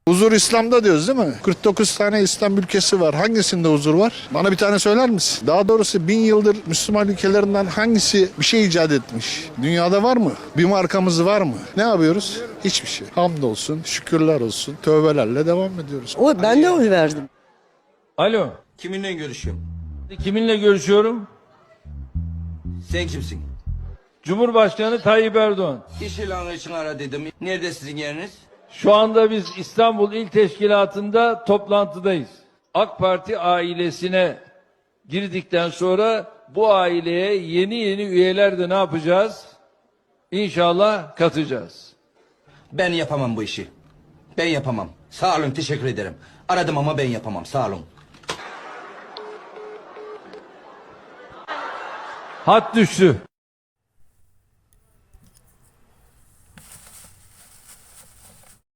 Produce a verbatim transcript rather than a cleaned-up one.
Huzur İslam'da diyoruz değil mi? kırk dokuz tane İslam ülkesi var. Hangisinde huzur var? Bana bir tane söyler misin? Daha doğrusu bin yıldır Müslüman ülkelerinden hangisi bir şey icat etmiş? Dünyada var mı? Bir markamız var mı? Ne yapıyoruz? Hiçbir şey. Hamdolsun, şükürler olsun, tövbelerle devam ediyoruz. O, ben de oy verdim. Alo. Kiminle görüşüyorum? Kiminle görüşüyorum? Sen kimsin? Cumhurbaşkanı Tayyip Erdoğan. İş ilanı için ara dedim. Nerede sizin yeriniz? Şu anda biz İstanbul İl Teşkilatı'nda toplantıdayız. AK Parti ailesine girdikten sonra bu aileye yeni yeni üyeler de ne yapacağız? İnşallah katacağız. Ben yapamam bu işi. Ben yapamam. Sağ olun, teşekkür ederim. Aradım ama ben yapamam. Sağ olun. Hat düştü.